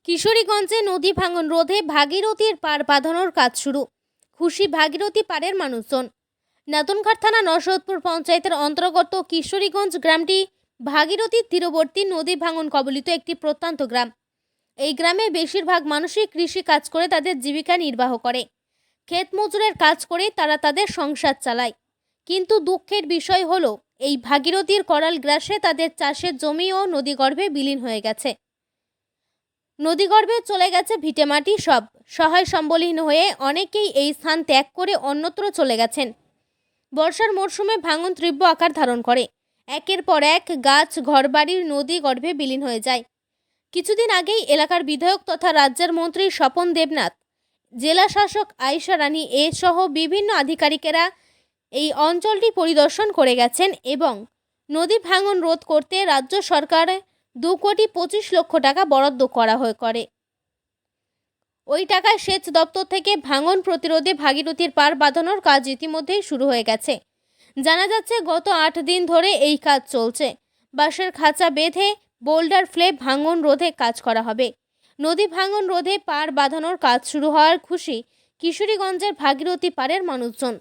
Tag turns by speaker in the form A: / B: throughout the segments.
A: কিশোরীগঞ্জে নদী ভাঙন রোধে ভাগীরথীর পার বাঁধানোর কাজ শুরু। খুশি ভাগীরথী পাড়ের মানুষজন। নাতুনঘাট থানা নরসদপুর পঞ্চায়েতের অন্তর্গত কিশোরীগঞ্জ গ্রামটি ভাগীরথীর তীরবর্তী নদী ভাঙন কবলিত একটি প্রত্যন্ত গ্রাম। এই গ্রামে বেশিরভাগ মানুষই কৃষি কাজ করে তাদের জীবিকা নির্বাহ করে। ক্ষেত মজুরের কাজ করে তারা তাদের সংসার চালায়। কিন্তু দুঃখের বিষয় হলো এই ভাগীরথীর করাল গ্রাসে তাদের চাষের জমি ও নদীগর্ভে বিলীন হয়ে গেছে। নদীগর্ভে চলে গেছে ভিটেমাটি সব। সহায় সম্বলহীন হয়ে অনেকেই এই স্থান ত্যাগ করে অন্যত্র চলে গেছেন। বর্ষার মরশুমে ভাঙন তীব্র আকার ধারণ করে। একের পর এক গাছ ঘরবাড়ির নদী গর্ভে বিলীন হয়ে যায়। কিছুদিন আগেই এলাকার বিধায়ক তথা রাজ্যের মন্ত্রী স্বপন দেবনাথ, জেলা শাসক আয়েশা রানী সহ বিভিন্ন আধিকারিকেরা এই অঞ্চলটি পরিদর্শন করে গেছেন এবং নদী ভাঙন রোধ করতে রাজ্য সরকার 2,25,00,000 টাকা বরাদ্দ করে। ওই টাকায় সেচ দপ্তর থেকে ভাঙন প্রতিরোধে ভাগীরথীর পার বাঁধানোর কাজ ইতিমধ্যেই শুরু হয়ে গেছে। জানা যাচ্ছে গত 8 দিন ধরে এই কাজ চলছে। বাঁশের খাঁচা বেঁধে বোল্ডার ফেলে ভাঙন রোধে কাজ করা হবে। নদী ভাঙন রোধে পার বাঁধানোর কাজ শুরু হওয়ার খুশি কিশোরীগঞ্জের ভাগীরথী পাড়ের মানুষজন।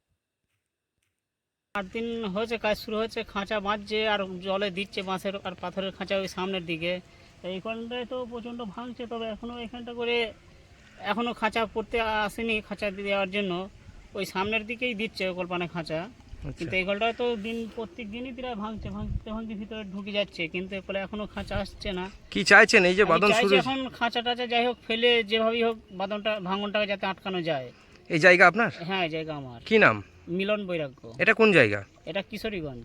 B: 8 দিন হয়েছে কাজ শুরু হয়েছে, খাঁচা বাঁধছে আর জলে দিচ্ছে বাঁশের আর পাথরের খাঁচা ওই সামনের দিকে। এইখানটায় তো প্রচণ্ড ভাঙছে, তবে এখনও এখানটা করে এখনও খাঁচা পড়তে আসেনি। খাঁচা দেওয়ার জন্য ওই সামনের দিকেই দিচ্ছে কল্পনা খাঁচা, কিন্তু এই গলটায় তো প্রত্যেক দিনই প্রায় ভাঙতে ভিতরে ঢুকে যাচ্ছে, কিন্তু এরপরে এখনও খাঁচা আসছে না।
C: কি চাইছেন এই যে বাঁধন শুরু?
B: এখন খাঁচা টাচা যাই হোক ফেলে যেভাবেই হোক ভাঙনটাকে যাতে আটকানো যায়।
C: এই জায়গা আপনার?
B: হ্যাঁ, এই জায়গা আমার।
C: কি নাম?
B: মিলন বৈরাগ্য।
C: এটা কোন জায়গা?
B: এটা কিশোরীগঞ্জ।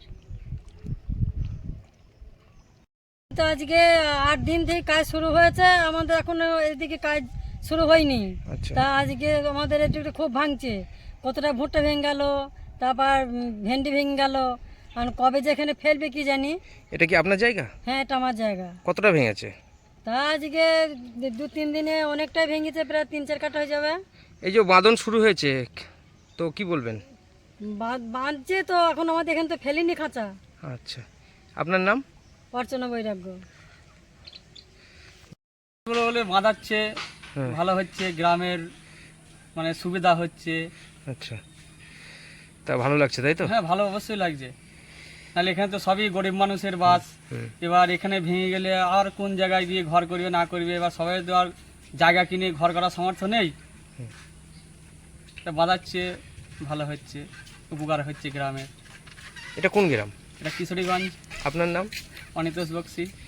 D: তো আজকে 8 দিন থেকে কাজ শুরু হয়েছে, আমাদের এখনো এদিকে কাজ শুরু হয়নি। তা আজকে আমাদের এদিকে খুব ভাঙছে, কতটা ভুট্টা ভেঙে গেল, তারপর ভেন্ডি ভেঙে গেল, আর কবে যে এখানে ফেলবে কি জানি।
C: এটা কি আপনার জায়গা?
D: হ্যাঁ, এটা আমার জায়গা।
C: কতটা ভেঙেছে?
D: তা আজকে 2-3 দিনে অনেকটাই ভেঙেছে, প্রায় 3-4 কাঠা হয়ে যাবে।
C: এই যে বাঁধন শুরু হয়েছে, তো কি বলবেন?
D: বাঁধছে তো, এখন আমাদের এখানে তো ফেলিনি খাঁচা।
C: আচ্ছা, আপনার নাম?
D: অর্চনা বৈরাগ্য।
E: বলে বাঁধাচ্ছে, ভালো হচ্ছে, গ্রামের মানে সুবিধা হচ্ছে।
C: আচ্ছা, তা ভালো লাগছে তাই তো?
E: হ্যাঁ, ভালো অবশ্যই লাগছে। নাহলে এখানে তো সবই গরিব মানুষের বাস। এবার এখানে ভেঙে গেলে আর কোন জায়গায় গিয়ে ঘর করবে না করবে, এবার সবাই তো আর জায়গা কিনে ঘর করার সামর্থ্য নেই। বাঁধাচ্ছে, ভালো হচ্ছে, উপকার হচ্ছে গ্রামের।
C: এটা কোন গ্রাম?
E: এটা কিশোরীগঞ্জ।
C: আপনার নাম?
E: অনিতোষ বক্সি।